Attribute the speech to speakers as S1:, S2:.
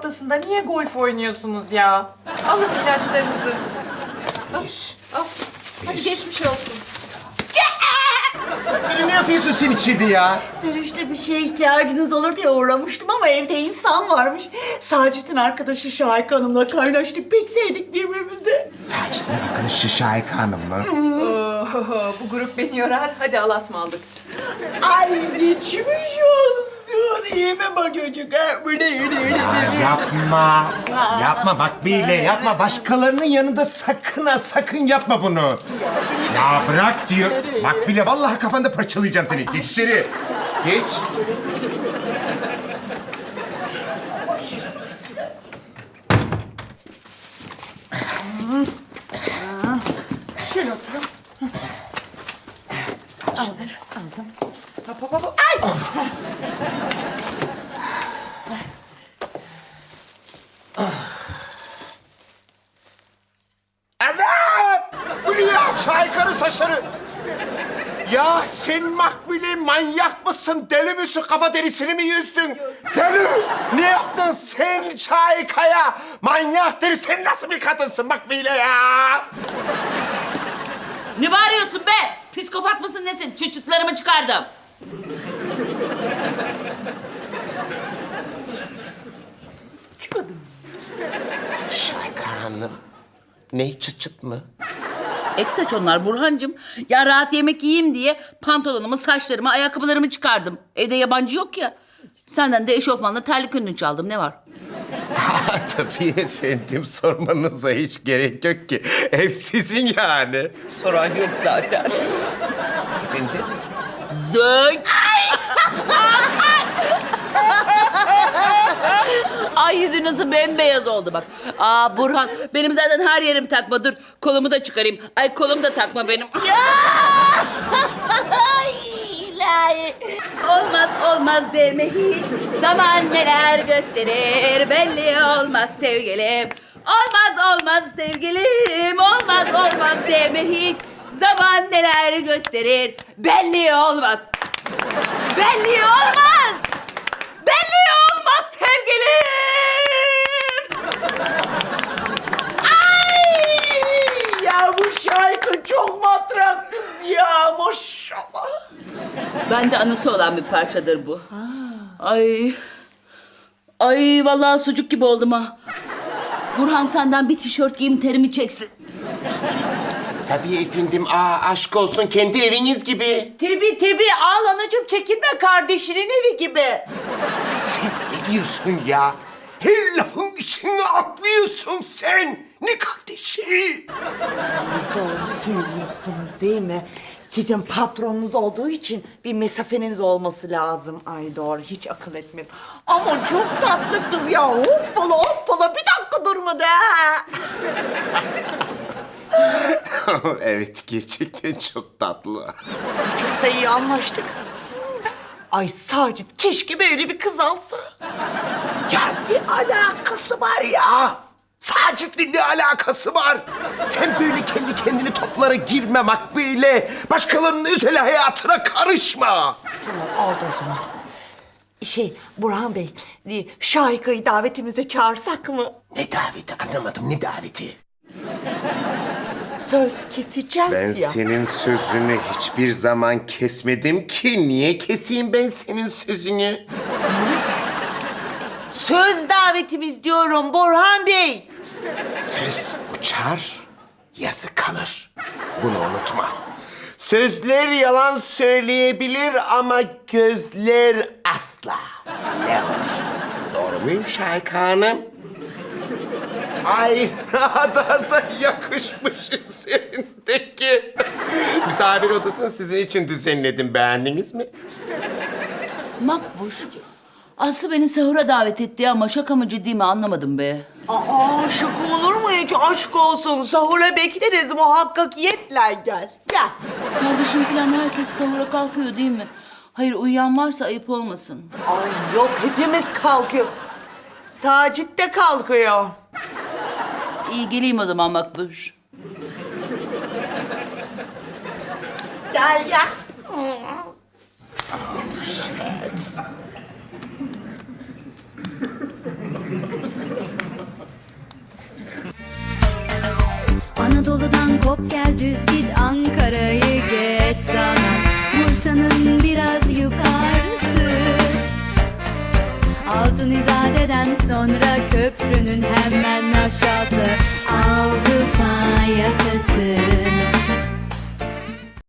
S1: ortasında niye golf oynuyorsunuz ya? Alın ilaçlarınızı. Al. Hadi geçmiş olsun.
S2: Ne yapıyorsun sen içeride ya?
S3: Dönüşte bir şeye ihtiyacınız olur diye uğramıştım ama evde insan varmış. Sacit'in arkadaşı Şahika Hanım'la kaynaştık. Pek sevdik birbirimizi.
S2: Sacit'in arkadaşı Şahika Hanım mı?
S1: Oo, bu grup beni yorar. Hadi alasmaldık.
S3: Ay geçmiş olsun. İyi mi bu çocuk? Ha? Bu ne?
S2: Yapma. Yapma bak bile yapma. Başkalarının yanında sakın ha sakın yapma bunu. Ya bırak diyor. Bak bile vallahi kafanda parçalayacağım seni. Geç içeri. Geç.
S3: Şöyle oturun. Aldım. Hop. Ay!
S2: Anam! Bu ne ya? Şahika'nın saçları. Ya sen Makbule manyak mısın? Deli misin? Kafa derisini mi yüzdün? Deli! Ne yaptın sen Şahika'ya? Manyak deri. Sen nasıl bir kadınsın Makbule ya?
S4: Ne bağırıyorsun be? Psikopat mısın nesin? Çıçıtlarımı çıkardım.
S2: Şahika Hanım. Ne çıt çıt mı?
S4: Eksaç onlar Burhancığım. Ya rahat yemek yiyeyim diye pantolonumu, saçlarımı, ayakkabılarımı çıkardım. Evde yabancı yok ya. Senden de eşofmanla terlik önünü çaldım. Ne var?
S2: Tabii efendim sormanıza hiç gerek yok ki. Ev sizin yani.
S4: Soran yok zaten.
S2: Efendim?
S4: Zönk! Ay yüzü nasıl bembeyaz oldu bak. Aa Burhan benim zaten her yerim takma. Dur kolumu da çıkarayım. Ay kolum da takma benim.
S3: Ay ilahi.
S4: Olmaz deme hiç. Zaman neler gösterir belli olmaz sevgilim. Olmaz sevgilim. Olmaz deme hiç. Zaman neler gösterir belli olmaz. Belli olmaz. Belli olmaz sevgilim.
S3: Ay! Ya bu Şahika çok matrak kız ya maşallah.
S4: Ben de anısı olan bir parçadır bu. Ay. Ay vallahi sucuk gibi oldum ha. Burhan senden bir tişört giyeyim terimi çeksin.
S2: Tabii efendim. Aşk olsun kendi eviniz gibi.
S3: Tabii al anacığım çekinme kardeşinin evi gibi.
S2: Sen ne diyorsun ya? Her lafın içine atlıyorsun sen. Ne kardeşi?
S3: Doğru söylüyorsunuz değil mi? Sizin patronunuz olduğu için bir mesafeniz olması lazım. Ay doğru hiç akıl etmedim. Ama çok tatlı kız ya. Hoppala bir dakika durmadı ha.
S2: Evet gerçekten çok tatlı.
S3: Çok da iyi anlaştık. Ay Sacit keşke böyle bir kız alsa.
S2: Ya ne alakası var ya? Sacit'le ne alakası var? Sen böyle kendi kendini toplara girme Makbule. Başkalarının özel hayatına karışma.
S3: Tamam oldu o zaman. Burhan Bey, Şahika'yı davetimize çağırsak mı?
S2: Ne daveti anlamadım ne daveti?
S3: Söz keseceğiz
S2: Ben
S3: ya.
S2: senin sözünü hiçbir zaman kesmedim ki. Niye keseyim ben senin sözünü?
S3: Söz davetimiz diyorum Burhan Bey.
S2: Söz uçar, yazı kalır. Bunu unutma. Sözler yalan söyleyebilir ama gözler asla. Ne var? Doğru muyum Şahika Hanım? Ay ne kadar da yakışmışsın sendeki. Misafir odasını sizin için düzenledim. Beğendiniz mi?
S4: Makbuş. Aslı beni sahura davet etti ama şaka mı ciddi mi anlamadım be.
S3: Aa şaka olur mu hiç? Aşk olsun. Sahura bekleriz muhakkakiyetle gel. Gel.
S4: Kardeşim falan herkes sahura kalkıyor değil mi? Hayır uyuyan varsa ayıp olmasın.
S3: Ay yok hepimiz kalkıyor. Sacit de kalkıyor.
S4: İyi geleyim o zaman Makbuş.
S3: Gel gel.
S5: Anadolu'dan kop gel düz git, Ankara'yı geç sana, Bursa'nın biraz yukarısı. Altın İzade'den sonra köprünün hemen aşağısı, Avrupa yakası.